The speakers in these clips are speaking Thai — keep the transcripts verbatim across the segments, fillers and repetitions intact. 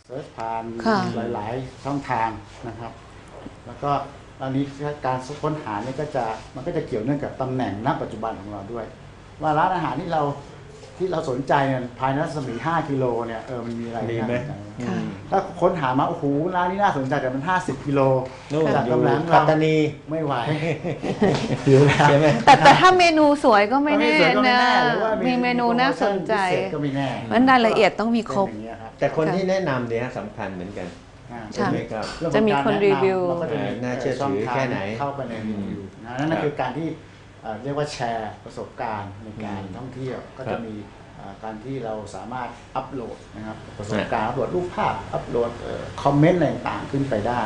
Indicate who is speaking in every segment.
Speaker 1: เซิร์ชผ่านหลายๆช่องทางนะครับแล้วก็ตอนนี้การค้นหาเนี่ยก็จะมันก็จะเกี่ยวเนื่องกับตำแหน่งณปัจจุบันของเราด้วยว่าร้านอาหารที่เราที่เราสนใจเนี่ยภายในรัศมีห้ากิโลเนี่ยเออมันมีอะไรน่าสนใจถ้าค้นหามาโอ้โหร้านนี้น่าสนใจแต่มันห้าสิบกิโลจากตำแหน่งปัตตานีไม่ไหวใช่ไหม
Speaker 2: แต่แต่ถ้าเมนูสวยก็ไม่แน่นะมีเมนูน่าสนใจ
Speaker 1: ก็ไม่แน่
Speaker 2: มันรายละเอียดต้องมีครบ
Speaker 3: แต่คนที่แนะนำเนี่ยสำคัญเหมือนกัน
Speaker 2: ใช่จะมีคนรีวิว
Speaker 3: น่าเชื่อถือแค่ไหน
Speaker 1: เข้าไปในรีวิวนั่นคือการที่เรียกว่าแชร์ประสบการณ์ในการท่องเที่ยวก็จะมีการที่เราสามารถอัปโหลดนะครับประสบการณ์อัปโหลดรูปภาพอัปโหลดคอมเมนต์อะไรต่างๆขึ้นไปได้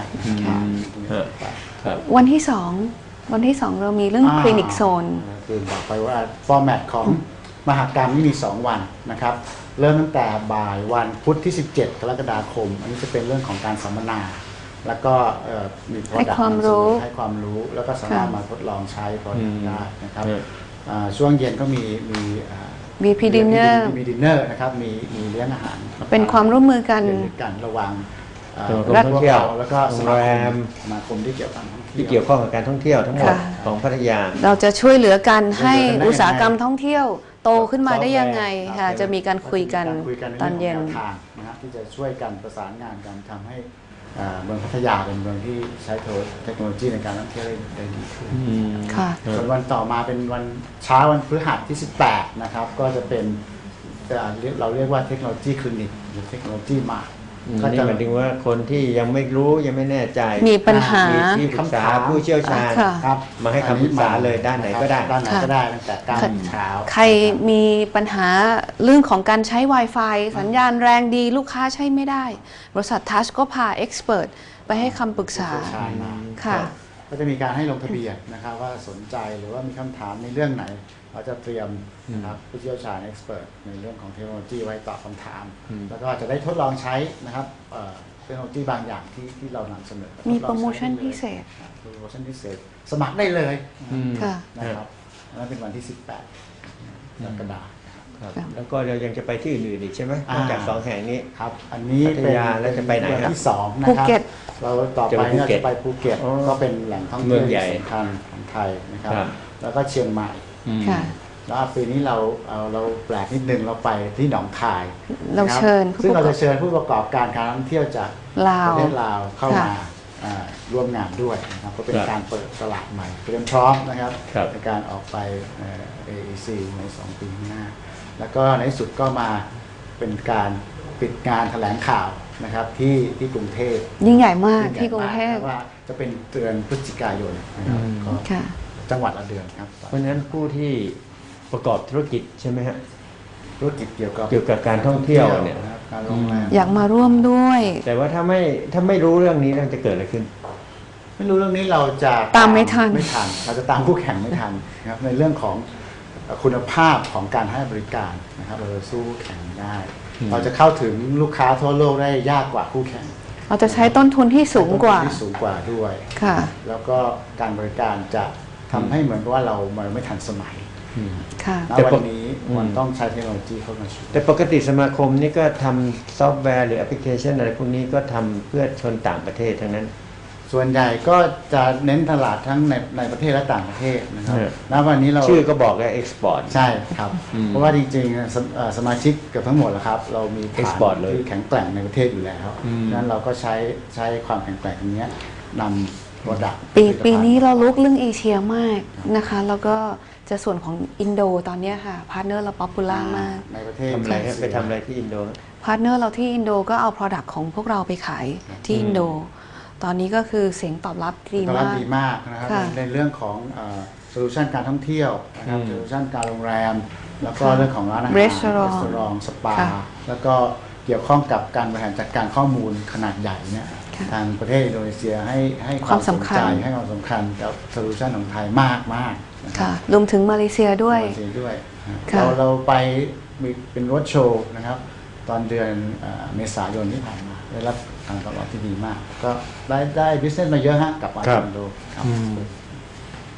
Speaker 2: วันที่สองวันที่สองเรามีเรื่องคลินิกโซน
Speaker 1: คือบอกไปว่าฟอร์แมตของมหกรรมนี่มีสองวันนะครับเริ่มตั้งแต่บ่ายวันพุธที่สิบเจ็ดกรกฎาคมอันนี้จะเป็นเรื่องของการสัมมนาแล้วก็มี product
Speaker 2: ให้ความรู้
Speaker 1: ให้ความรู้แล้วก็สามารถมาทดลองใช้ product ได้นะครับช่วงเย็นก็มีมี
Speaker 2: มีพีดินเนอร์
Speaker 1: มีดินเนอร์นะครับมีมีเลี้ยงอาหาร
Speaker 2: เป็นความร่วมมือกัน
Speaker 1: กันระหว่าง
Speaker 3: นักท่องเที่ยว
Speaker 1: แล้วก็
Speaker 3: โรงแรม
Speaker 1: สมาคมที่เกี่ยวกับ
Speaker 3: ที่เกี่ยวข้องกับการท่องเที่ยวทั้งหมดของพัทยา
Speaker 2: เราจะช่วยเหลือกันให้อุตสาหกรรมท่องเที่ยวโตขึ้นมาได้ยังไงค่ะจะมีการคุยกันตอนเย็น
Speaker 1: นะครับที่จะช่วยกันประสานงานกันทำให้เมืองพัทยาเป็นเมืองที่ใช้เทคโนโลยีในการท่องเที่ยวได้ดีขึ้นส่วนวันต่อมาเป็นวันเช้าวันพฤหัสที่สิบแปดนะครับก็จะเป็นเราเรียกว่าเทคโนโลยีคลินิกหรือเทคโนโลยีมา
Speaker 3: ก็จะหมายถึงว่าคนที่ยังไม่รู้ยังไม่แน่ใจ
Speaker 2: มีปัญหา
Speaker 3: ที่ปรึกษาผู้เชี่ยวชาญมาให้คำปรึกษาเลยด้านไหนก็ได้
Speaker 1: ด้านไหนก็ได้ตั้งแต่การเช้า
Speaker 2: ใครมีปัญหาเรื่องของการใช้ Wi-Fi สัญญาณแรงดีลูกค้าใช้ไม่ได้บริษัททัชก็พาเอ็กซ์เพรสไปให้คำปรึกษา
Speaker 1: ค่ะก็จะมีการให้ลงทะเบียนนะครับว่าสนใจหรือว่ามีคำถามในเรื่องไหนเราจะเตรียมนะครับผู้เชี่ยวชาญเอ็กซ์เพรสในเรื่องของเทคโนโลยีไว้ตอบคำถามแล้วก็จะได้ทดลองใช้นะครับเทคโนโลยีบางอย่างที่ที่เรานำเสนอ
Speaker 2: มีโปรโมชั่นพิเศษ
Speaker 1: โปรโมชั่นพิเศษสมัครได้เลยนะครับนั่นเป็นวันที่สิบแปดกรกฎาคม
Speaker 3: แล้วก็เรายังจะไปที่อื่นๆอีกใช่ไหมนอกจากสองแห่งนี้
Speaker 1: ครับอันนี้
Speaker 3: พัทยาแล้วจะไปไหนครับ
Speaker 1: ที่สองนะครับเราต่อไปเราจะไปภูเก็ตก็เป็นแหล่งท่องเที่ยวสำคัญของไทยนะครับแล้วก็เชียงใหม่แล้วปีนี้เราเอาเราแปลกนิดนึงเราไปที่หนองคาย
Speaker 2: เราเชิญ
Speaker 1: ซึ่งเราจะเชิญผู้ประกอบการการท่องเที่ยวจากประเทศลาวเข้ามาร่วมงานด้วยนะครับก็เป็นการเปิดตลาดใหม่เตรียมพร้อมนะครับในการออกไป เอ อี ซี ในสองปีข้างหน้าแล้วก็ในสุดก็มาเป็นการปิดงานแถลงข่าวนะครับที่ที่กรุงเทพ
Speaker 2: ยิ่งใหญ่มากที่กรุงเทพ
Speaker 1: ว่าจะเป็นเดือนพฤศจิกายนนะครับก็จังหวัดละเดือนครับ
Speaker 3: เพราะฉะนั้นผู้ที่ประกอบธุรกิจใช่ไหมฮะ
Speaker 1: ธุรกิจเกี่ยวกับ
Speaker 3: เกี่ยวกับการท่องเที่ยวเนี่ย
Speaker 2: อยากมาร่วมด้วย
Speaker 3: แต่ว่าถ้าไม่ถ้าไม่รู้เรื่องนี้เราจะเกิดอะไรขึ้น
Speaker 1: ไม่รู้เรื่องนี้เราจะ
Speaker 2: ตามไม่ทัน
Speaker 1: ไม่ทันเราจะตามคู่แข่งไม่ทันนะครับในเรื่องของคุณภาพของการให้บริการนะครับเราจะสู้แข่งได้เราจะเข้าถึงลูกค้าทั่วโลกได้ยากกว่าคู่แข่ง
Speaker 2: เราจะใช้ต้นทุนที่สูงกว่า
Speaker 1: ที่สูงกว่าด้วย
Speaker 2: ค่ะ
Speaker 1: แล้วก็การบริการจะทำให้เหมือนกับว่าเราไม่ทันสมัยแต่วันนี้มันต้องใช้เทคโนโลยีเข้ามาช่วย
Speaker 3: แต่ปกติสมาคมนี่ก็ทำซอฟต์แวร์หรือแอปพลิเคชันอะไรพวกนี้ก็ทำเพื่อชนต่างประเทศทั้งนั้น
Speaker 1: ส่วนใหญ่ก็จะเน้นตลาดทั้งในในประเทศและต่างประเทศนะครับณวันนี้เรา
Speaker 3: ชื่อก็บอกแล้วเอ็กซ์พอร์ต
Speaker 1: ใช่ครับเพราะว่าจริงๆสมาชิกเกือบทั้งหมดแล้วครับเรามีฐานที่แข็งแกร่งในประเทศอยู่แล้วนั้นเราก็ใช้ใช้ความแข็งแกร่งตรงนี้นำโปรดักต์
Speaker 2: ปีปีนี้เราลุกเรื่องเอเชียมากนะคะแล้วก็จะส่วนของอินโดตอนนี้ค่ะพาร์ทเนอร์เราป๊อปปูล่ามาก
Speaker 1: ในประเทศ
Speaker 3: ทำอะไรไปทำอะไรที่อินโด
Speaker 2: พาร์ทเนอร์เราที่อินโดก็เอา Product ของพวกเราไปขายที่อินโดตอนนี้ก็คือเสียงตอบรับดีมาก
Speaker 1: ดีมากนะครับในเรื่องของโซลูชันการท่องเที่ยวนะครับโซลูชันการโรงแรมแล้วก็เรื่องของร้านอาหารรีสอร์ทสปาแล้วก็เกี่ยวข้องกับการบริหารจัดการข้อมูลขนาดใหญ่เนี่ยทางประเทศอินโดนีเซียให้ให้ความสนใจให้ความสำคัญกับโซลูชันของไทยมากมาก
Speaker 2: ค่ะรวมถึงมาเลเซียด้วย
Speaker 1: มาเลเซียด้วยเราเราไปมีเป็นรถโชว์นะครับตอนเดือนเมษายนที่ผ่านมาได้รับการตอบรับที่ดีมากก็ได้ได้บิสเนสมาเยอะฮะกับอาเซียนโดครับ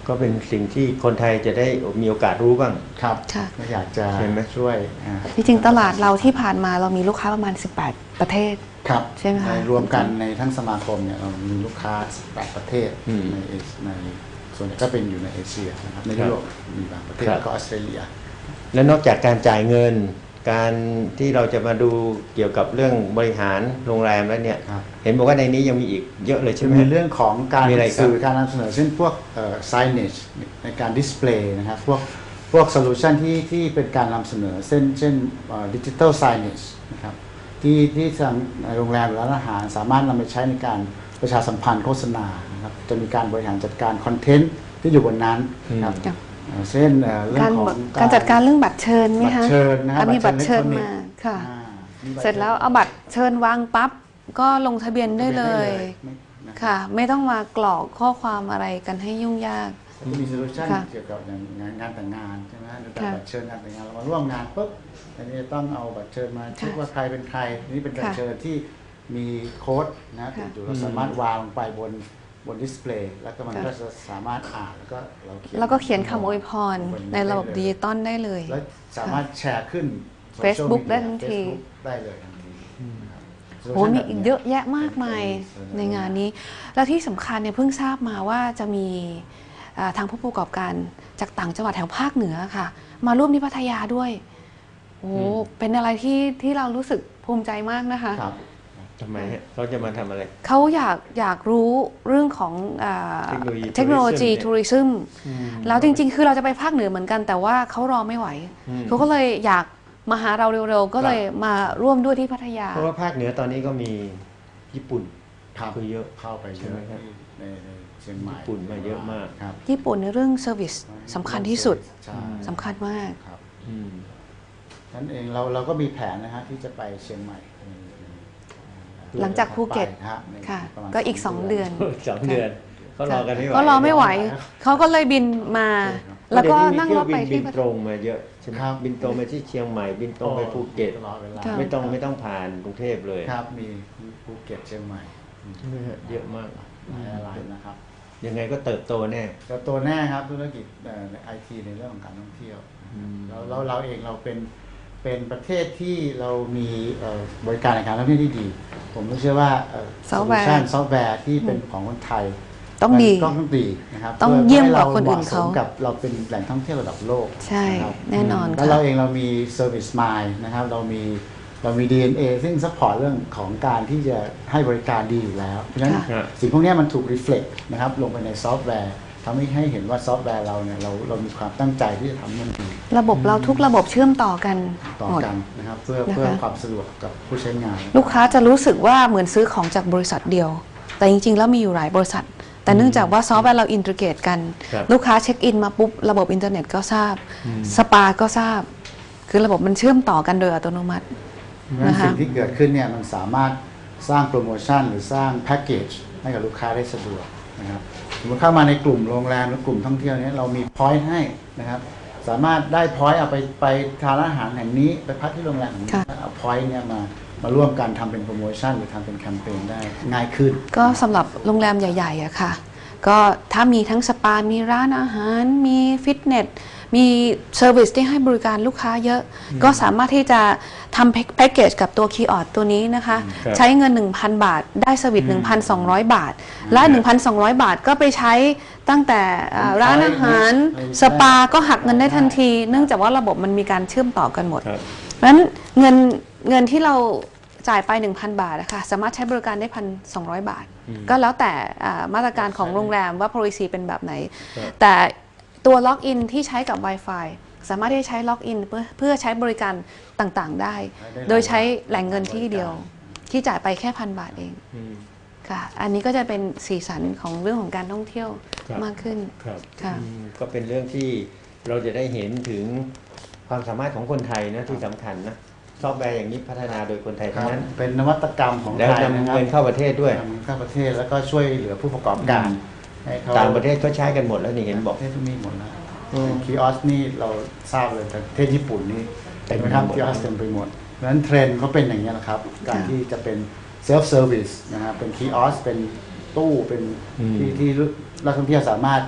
Speaker 3: ก็เป็นสิ่งที่คนไทยจะได้มีโอกาสรู้บ้าง
Speaker 1: ครับ
Speaker 2: ค่ะ
Speaker 1: ก็อยากจะ
Speaker 3: ใช่ไหม
Speaker 1: ช่วยอ่า
Speaker 2: จริงๆตลาดเราที่ผ่านมาเรามีลูกค้าประมาณ สิบแปด ประเทศ
Speaker 1: ครับ
Speaker 2: ใช่ไหมคะ
Speaker 1: ในรวมกันในทั้งสมาคมเนี่ยเรามีลูกค้าแปดประเทศ
Speaker 3: อืม
Speaker 1: ในเอเชียในส่วนใหญ่ก็เป็นอยู่ในเอเชียนะครับใน
Speaker 3: ครั
Speaker 1: ยุ
Speaker 3: บ
Speaker 1: โรปมีบางประเทศ
Speaker 3: ครับ
Speaker 1: แล้วก็ออสเตรเลีย
Speaker 3: และนอกจากการจ่ายเงิน การที่เราจะมาดูเกี่ยวกับเรื่องบริหารโรงแรมแล้วเนี่ย
Speaker 1: ครับ
Speaker 3: เห็นบอกว่าในนี้ยังมีอีกเยอะเลยใช่
Speaker 1: จะ
Speaker 3: ไหม
Speaker 1: มีเรื่องของการ
Speaker 3: มีอะไรครับ
Speaker 1: สื่อการนำเสนอเช่นพวกเอ่อ signage ในการดิสเพลย์นะครับพวกพวกโซลูชันที่ที่เป็นการนำเสนอเช่นเช่นดิจิทัล signage นะครับที่ที่ทางในโรงแรมหรือร้านอาหารสามารถนำไปใช้ในการประชาสัมพันธ์โฆษณานะครับจะมีการบริหารจัดการคอนเทนต์ที่อยู่บนนั้นนะครับ
Speaker 2: ครับ
Speaker 1: เอ่อเช่นเอ่อเรื่อง
Speaker 2: การ
Speaker 1: ของ
Speaker 2: การจัดการเรื่องบัตรเชิญไหม
Speaker 1: บัต
Speaker 2: คะ
Speaker 1: รเชิญนะครับ
Speaker 2: อ่ะมีบัตรเชิญ
Speaker 1: อิ
Speaker 2: มา
Speaker 1: ล็กทรอนิกส์
Speaker 2: ค่ะ
Speaker 1: อ่ามีบัต
Speaker 2: เสร็จแล้วเอาบัตรเชิญวางปั๊บก็ลงทะเบียนได้เลย
Speaker 1: ไม่นะครับ
Speaker 2: ค่ะ ไม่ต้องมากรอกข้อความอะไรกันให้ยุ่งยาก
Speaker 1: จะมีโซลูชัน
Speaker 2: ค่ะ
Speaker 1: เกี่ยวกับอย่างงานงานแต่งงานใช่ไหมหรือการ
Speaker 2: ค่ะ
Speaker 1: บัตรเชิญงานแต่งงานเรามาร่วมงานปุ๊บอันนี้จะต้องเอาบัตรเชิญมาเช็ค
Speaker 2: ค่ะ
Speaker 1: ว่าใครเป็นใครนี่เป็นบัตร
Speaker 2: ค่ะ
Speaker 1: เชิญที่มีโค้ดนะติ
Speaker 2: ค่ะ
Speaker 1: ดอยู่เราสามารถวางลงไปบนบนดิสเพลย์แล้วก็มัน
Speaker 2: ค่ะ
Speaker 1: ก็จะสามารถอ่านแล้วก็เราเขียน
Speaker 2: แล้วก็เขียนคำอวยพร
Speaker 1: บ
Speaker 2: ในระบบ
Speaker 1: ได้เลย
Speaker 2: ดิจิตอลได้เลย
Speaker 1: แล้วสามารถแชร์ขึ้น social
Speaker 2: Facebook
Speaker 1: media
Speaker 2: ได้ทันที
Speaker 1: Facebook ได้เลยทันทีนะครับ
Speaker 2: โอ้
Speaker 1: solution
Speaker 2: มี
Speaker 1: แบบ
Speaker 2: อีก
Speaker 1: นี้
Speaker 2: เยอะแยะมากมาย
Speaker 1: เป็น
Speaker 2: ในงานนี้ แล้วที่สำคัญเนี่ยเพิ่งทราบมาว่าจะมีอ่าทางผู้ประกอบการจากต่างจังหวัดแถวภาคเหนือค่ะ มาร่วมที่พัทยาด้วย โอ้เป็นอะไรที่ที่เรารู้สึกภูมิใจมากนะคะ
Speaker 1: ครับ
Speaker 3: ทำไมฮะเขาจะมาทำอะไร
Speaker 2: เขาอยากอยากรู้เรื่องของอา
Speaker 3: เทคโนโลยี
Speaker 2: เทคโนโลยี
Speaker 3: tourism
Speaker 2: ทัวริซึมแล้วจริงๆ คือเราจะไปภาคเหนือเหมือนกัน แต่ว่าเขารอไม่ไหว
Speaker 3: อืม
Speaker 2: เขาก็เลยอยากมาหาเราเร็วๆ ก็เลยมาร่วมด้วยที่พัทยา
Speaker 3: เพราะว่าภาคเหนือตอนนี้ก็มีญี่ปุ่น
Speaker 1: ครับ
Speaker 3: คือเยอะ
Speaker 1: เข้าไปเย
Speaker 3: ใช่ไหม
Speaker 1: อะ
Speaker 3: ครับ
Speaker 1: ที่ในในเชียงใหม่
Speaker 3: ญี่ปุ่นมาเยอะมาก
Speaker 1: ครับ
Speaker 2: ญี่ปุ่นในเรื่องเซอร์วิสสำคัญที่สุด
Speaker 1: ใช่
Speaker 2: สำคัญมาก
Speaker 1: ครับ
Speaker 3: อืม
Speaker 1: นั่นเองเราเราก็มีแผนนะฮะที่จะไปเชียงใหม่ในใน
Speaker 2: หลังจากภูเก็ต
Speaker 1: ไปนะฮะใน
Speaker 2: ค่ะ
Speaker 1: ประมาณ
Speaker 2: ก็อีกสองเดือน
Speaker 3: สองเดือนเขารอกันไม่ไหว
Speaker 2: ก็รอไม่ไหว เขาก็เลยบินมา แล้วก็
Speaker 3: เดี๋ย
Speaker 2: นั่ง
Speaker 3: มี
Speaker 2: รถไป
Speaker 3: เที่ยวบินบิ
Speaker 2: ที่
Speaker 3: น
Speaker 2: พัท
Speaker 3: ตรงมาเยอะใช่ไหม
Speaker 1: ครับ
Speaker 3: บินตรงไปที่เชียงใหม่ บินตรงไปภูเก็ต
Speaker 1: ตลอดเวลา
Speaker 2: ค่ะ
Speaker 3: ไม่ต้องไม่ต้องผ่านกรุงเทพเลย
Speaker 1: ครับมีภูเก็ตเชียงใหม่
Speaker 3: ใช่ไหมฮะเยอะมาก
Speaker 1: หลายอะไรนะครับ
Speaker 3: ยังไงก็เติบโตแน่
Speaker 1: แต่ตัวแน่ครับธุรกิจเอ่อในไอทีในเรื่องของการท่องเที่ยว
Speaker 3: อืม
Speaker 1: แล้วเราเราเองเราเป็นเป็นประเทศที่เรามีเอ่อบริการในการท่องเที่ยวที่ดี ผมก็เชื่อว่าโซ
Speaker 2: Software
Speaker 1: ลูชันซอฟต์แวร์ที่เป็นของคนไทย
Speaker 2: ต้องดี
Speaker 1: มันต้องดีนะครับ
Speaker 2: ต้อง
Speaker 1: พื่
Speaker 2: เยี่ยมกว่า
Speaker 1: ให้
Speaker 2: คนอื่นเขา
Speaker 1: หมะสมกับเราเป็นแหล่งท่องเที่ยวระดับโลก
Speaker 2: ใช่
Speaker 1: นะครับ
Speaker 2: แน่นอน
Speaker 1: แล้วเรา
Speaker 2: ค่ะ
Speaker 1: เองเรามี Service Mind นะครับเรามีเรามี ดี เอ็น เอ ซึ่งซัพพอร์ตเรื่องของการที่จะให้บริการดีอยู่แล้ว เพราะฉะนั้น
Speaker 3: ค่ะ
Speaker 1: สิ่งพวกเนี้ยมันถูก reflect นะครับลงไปในซอฟต์แวร์ทำให้ให้เห็นว่าซอฟต์แวร์เราเนี่ยเราเรามีความตั้งใจที่จะทำให้มันดี
Speaker 2: ระบบเราทุกระบบเชื่อมต่อกัน
Speaker 1: ต่อ
Speaker 2: หมด
Speaker 1: กันนะครับเพื่อ
Speaker 2: นะคะ
Speaker 1: เพื่อความสะดวกกับผู้ใช้งาน
Speaker 2: ลูกค้าจะรู้สึกว่าเหมือนซื้อของจากบริษัทเดียว แต่จริงๆ แล้วมีอยู่หลายบริษัท แต่เนื่องจากว่าซอฟต์แวร์เราอินทิเกรตกัน
Speaker 3: ครับ
Speaker 2: ลูกค้าเช็คอินมาปุ๊บ ระบบอินเทอร์เน็ตก็ทราบ สปาก็ทราบ คือระบบมันเชื่อมต่อกันโดยอัตโนมัติ
Speaker 1: งั้น
Speaker 2: นะคะ
Speaker 1: สิ่งที่เกิดขึ้นเนี่ยมันสามารถสร้างโปรโมชั่นหรือสร้างแพ็กเกจให้กับลูกค้าได้สะดวกนะครับสมมติเข้ามาในกลุ่มโรงแรมหรือกลุ่มท่องเที่ยวเนี้เรามีพอยต์ให้นะครับสามารถได้พอยต์เอาไปไปทานอาหารแห่งนี้ไปพักที่โรงแรมแห่งนี้
Speaker 2: ค่ะ
Speaker 1: เอาพอยต์เนี่ยมามาร่วมกันทำเป็นโปรโมชั่นหรือทำเป็นแคมเปญได้ง่ายขึ้น
Speaker 2: ก็สำหรับโรงแรมใหญ่ๆอะค่ะ ก็ถ้ามีทั้งสปา มีร้านอาหาร มีฟิตเนส มีเซอร์วิสที่ให้บริการลูกค้าเยอะ ก็สามารถที่จะทำแพ็กเกจกับตัวคีย์ออดตัวนี้นะคะ
Speaker 3: ครับ
Speaker 2: ใช้เงิน หนึ่งพัน บาท ได้เซอร์วิส หนึ่งพันสองร้อย บาท และ หนึ่งพันสองร้อย บาทก็ไปใช้ตั้งแต่อ่าร้านอาหาร สปา ก็หักเงินได้ทันที เนื่องจากว่าระบบมันมีการเชื่อมต่อกันหมด
Speaker 3: ครับ
Speaker 2: เพราะฉะนั้นเงินเงินที่เราจ่ายไป หนึ่งพัน บาทนะคะสามารถใช้บริการได้ หนึ่งพันสองร้อย บาท ก็แล้วแต่อ่ามาตรการของโรงแรมว่า policy เป็นแบบไหน
Speaker 3: ครับ
Speaker 2: แต่ตัวล็อกอินที่ใช้กับ Wi-Fi สามารถที่จะใช้ล็อกอินเพื่อเพื่อใช้บริการต่างๆได้
Speaker 1: ได้
Speaker 2: โดยใช้แหล่งเงินที่เดียว ที่จ่ายไปแค่พันบาทเอง
Speaker 3: อืม
Speaker 2: ค่ะ อันนี้ก็จะเป็นสีสันของเรื่องของการท่องเที่ยว
Speaker 3: ครับ
Speaker 2: มากขึ้น
Speaker 3: ครับ
Speaker 2: ค่ะ
Speaker 3: อืมก็เป็นเรื่องที่เราจะได้เห็นถึงความสามารถของคนไทยนะที่สำคัญนะซอฟต์แวร์อย่างนี้พัฒนาโดยคนไทย
Speaker 1: ครั
Speaker 3: ทั้
Speaker 1: บ
Speaker 3: งนั้น
Speaker 1: เป็นนวัตกรรมของ
Speaker 3: แล้ว
Speaker 1: ไทย
Speaker 3: นำ
Speaker 1: นะครับ
Speaker 3: เงินเข้าประเทศด้วย
Speaker 1: นำเงินเข้าประเทศแล้วก็ช่วยเหลือผู้ประกอบการให้เขา
Speaker 3: ต่างประเทศก็ใช้กันหมดแล้วนี่เห็นบอก
Speaker 1: ประเทศมีหมดแล้ว
Speaker 3: อืม
Speaker 1: คีออสนี่เราทราบเลยแต่ประเทศญี่ปุ่นนี่
Speaker 3: เต็ม
Speaker 1: ไป
Speaker 3: ไปหมด
Speaker 1: ทำคีออสเต็มไปหมดเพราะฉะนั้นเทรนด์เขาเป็นอย่างนี้ยนะครับ การที่จะเป็นเซลฟ์เซอร์วิสนะครับเป็นคีออสเป็นตู้เป็น
Speaker 3: อืม
Speaker 1: ที่ที่นักท่องเที่ยวสามารถ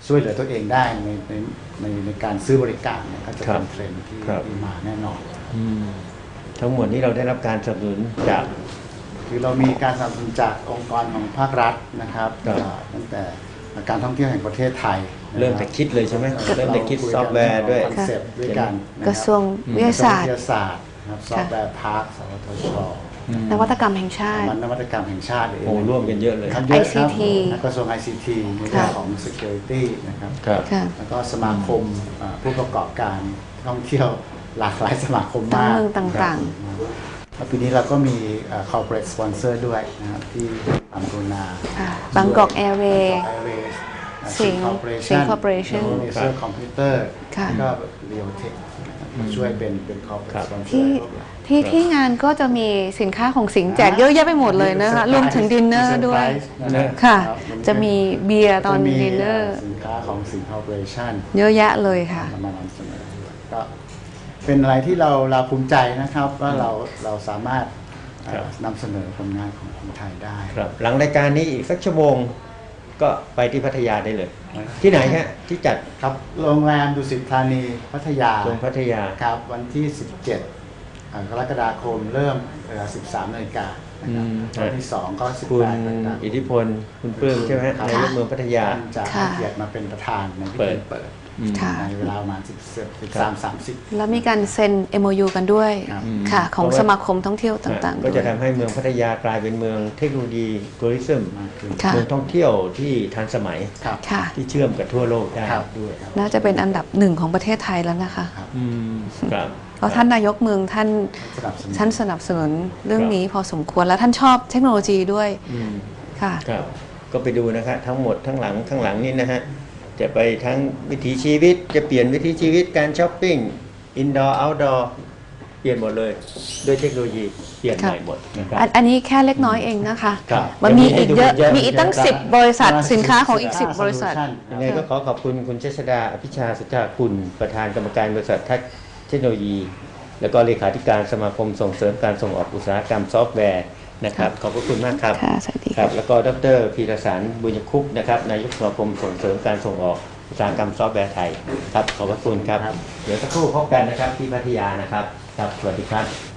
Speaker 1: ช่วยเหลือตัวเองได้ในในในในการซื้อบริการเนี่ยก็จะ
Speaker 3: ครั
Speaker 1: เป็
Speaker 3: บ
Speaker 1: นเทรนด์ที่
Speaker 3: ครับ
Speaker 1: ที่มาแน่นอน
Speaker 3: อืมทั้งหมดนี้เราได้รับการสนับสนุนจาก
Speaker 1: คือเรามีการสนับสนุนจากองค์กรของภาครัฐนะครับ
Speaker 3: ครับ
Speaker 1: อ่าตั้งแต่การท่องเที่ยวแห่งประเทศไทยนะครับ
Speaker 3: เริ่มแต่คิดเลยใช่ไหมเริ่มแต่คิดซอฟต์แวร์ด้วย
Speaker 1: คอนเซปต์ด้วยกันนคบ
Speaker 2: กระทรวงวิทยาศาสต
Speaker 1: วิ
Speaker 2: ร์
Speaker 1: ทยาศาสตร์นะครับซอฟต์แวร์พาร์คสวทช
Speaker 2: นวัตกรรมแห่งชาติ
Speaker 1: มันนวัตกรรมแห่งชาติเอง
Speaker 3: โอ้ร่วมกันเยอะเลย
Speaker 1: ครับเยอะครับ
Speaker 2: ไอ ซี ที
Speaker 1: กระทรวง ไอ ซี ที ในเรื่องของ security นะครับ
Speaker 3: ครับ
Speaker 2: ค่ะ
Speaker 1: แล้วก็สมาคมอ่าผู้ประกอบการท่องเที่ยวหลากหลายสมาคม
Speaker 2: ตาม
Speaker 1: มาก
Speaker 2: เมืองต่าง
Speaker 1: แล้วปีนี้เราก็มีเอ่อ corporate sponsor ด้วยนะครับที่ทำกรุณา
Speaker 2: ๆค่ะบางกอกแอร์เวย์
Speaker 1: Bangkok Airways
Speaker 2: สิงห์
Speaker 1: Corporation
Speaker 2: สิงห์ Corporation
Speaker 1: เนเซอร์คอมพิวเตอร์
Speaker 2: ค่ะ
Speaker 1: แล้วก็เรียวเทคช่วยเป็นเป็น
Speaker 3: ครับ
Speaker 1: corporate sponsor
Speaker 2: ที่ที่ที่งานก็จะมีสินค้าของสิงห์แจกเยอะแยะไปหมดเลยนะคะรวมถึงดินเนอร์ด้วย
Speaker 1: นะ
Speaker 2: ค่ะ
Speaker 1: รับ
Speaker 2: จะมีเบียร์ตอน
Speaker 1: จะมี
Speaker 2: ดินเนอร์
Speaker 1: สินค้าของสิงห์ Corporation
Speaker 2: เยอะแยะเลยค่ะ
Speaker 1: มานำเสนอก็เป็นอะไรที่เราเราภูมิใจนะครับว่าเราเราสามารถเอ่อ
Speaker 3: ครับ
Speaker 1: นำเสนอผลงานของคนไทยได้
Speaker 3: ครับหลังรายการนี้อีกสักชั่วโมงก็ไปที่พัทยาได้เลย ที่ไหนฮะที่จัด
Speaker 1: ครับโรงแรมดุสิตธานีพัทยา
Speaker 3: ตรงพัทยา
Speaker 1: ครับวันที่ สิบเจ็ดอ่ากรกฎาคมเริ่มเวลาสิบสามนาฬิกานะครับ
Speaker 3: อืม
Speaker 1: วันที่สองก็สิบ
Speaker 3: คุณ
Speaker 1: แปดนาฬิกา
Speaker 3: อิทธิพลคุณปลื้มใช่ไหมฮะ
Speaker 1: ครับ
Speaker 3: นายกเมืองพัทยา
Speaker 1: ท่านจะ
Speaker 2: ค่ะ
Speaker 1: ให้เกียรติมาเป็นประธานในพิ
Speaker 3: เปิ
Speaker 1: ธี
Speaker 3: ด
Speaker 1: เปิด
Speaker 3: อืม
Speaker 2: ค่ะ
Speaker 1: ในเวลาประมาณสิบสามสามสิบ
Speaker 2: แล้วมีการเซ็น เอ็ม โอ ยู กันด้วย
Speaker 1: ครับ
Speaker 2: ค่ะ ของ
Speaker 3: เพราะว่า
Speaker 2: สมาคมท่องเที่ยวต่างๆ
Speaker 3: ก็
Speaker 2: ด้
Speaker 3: จะ
Speaker 2: วย
Speaker 3: ทำให้เมืองพัทยากลายเป็นเมืองเทคโนโลยีทัวริซึม
Speaker 1: มากขึ้น
Speaker 2: ค่ะ
Speaker 3: เมืองท่องเที่ยวที่ทันสมัย
Speaker 1: ครับ
Speaker 2: ค่ะ
Speaker 3: ที่เชื่อมกับทั่วโลกได้
Speaker 1: ครับ
Speaker 3: ด้วย
Speaker 2: น่าจะเป็นอันดับหนึ่งของประเทศไทยแล้วนะคะ
Speaker 3: อืมครับ
Speaker 2: เพราะท่านนายกเมืองท่าน
Speaker 1: สนับสนุน
Speaker 2: ท่านสนับสนุนเรื่องนี้พอสมควรแล้วท่านชอบเทคโนโลยีด้วย
Speaker 3: อืม
Speaker 2: ค่ะ
Speaker 3: ครับก็ไปดูนะครับทั้งหมดทั้งหลังข้างหลังนี่นะฮะจะไปทั้งวิถีชีวิตจะเปลี่ยนวิถีชีวิตการช้อปปิ้งอินดอร์เอาท์ดอร์เปลี่ยนหมดเลยด้วยเทคโนโลยีเปลี่ยนใหม่หมดนะครับ
Speaker 2: อันอันนี้แค่เล็กน้อยเองนะคะ
Speaker 3: ครับ
Speaker 2: มันมีอีกเยอะ
Speaker 3: เดี๋ยวมี
Speaker 2: มี
Speaker 3: ให้ดู
Speaker 2: อีกตั้ง
Speaker 3: เยอะ
Speaker 2: สิบบริษัทสินค้าของอีกสิบบริษัท
Speaker 3: ยังไงก็ขอขอบคุณคุณเชษดาอภิชาสุจาคุณประธานกรรมการบริษัทเทคโนโลยี แล้วก็เลขาธิการสมาคมส่งเสริมการส่งออกอุตสาหกรรมซอฟต์แวร์นะครับขอบพระคุณมากครับ
Speaker 2: ค่ะสวัสดี
Speaker 3: ค
Speaker 2: ค่ะ
Speaker 3: รับแล้วก็ดรพีรสารบุญคุปต์นะครับนายกสมาคมส่งเสริมการส่งออกอุตสาหกรรมซอฟต์แวร์ไทยครับขอบพระคุณครับ
Speaker 1: ครับ
Speaker 3: เดี๋ยวสักครู่พบกันนะครับที่พัทยานะครับครับสวัสดีครับ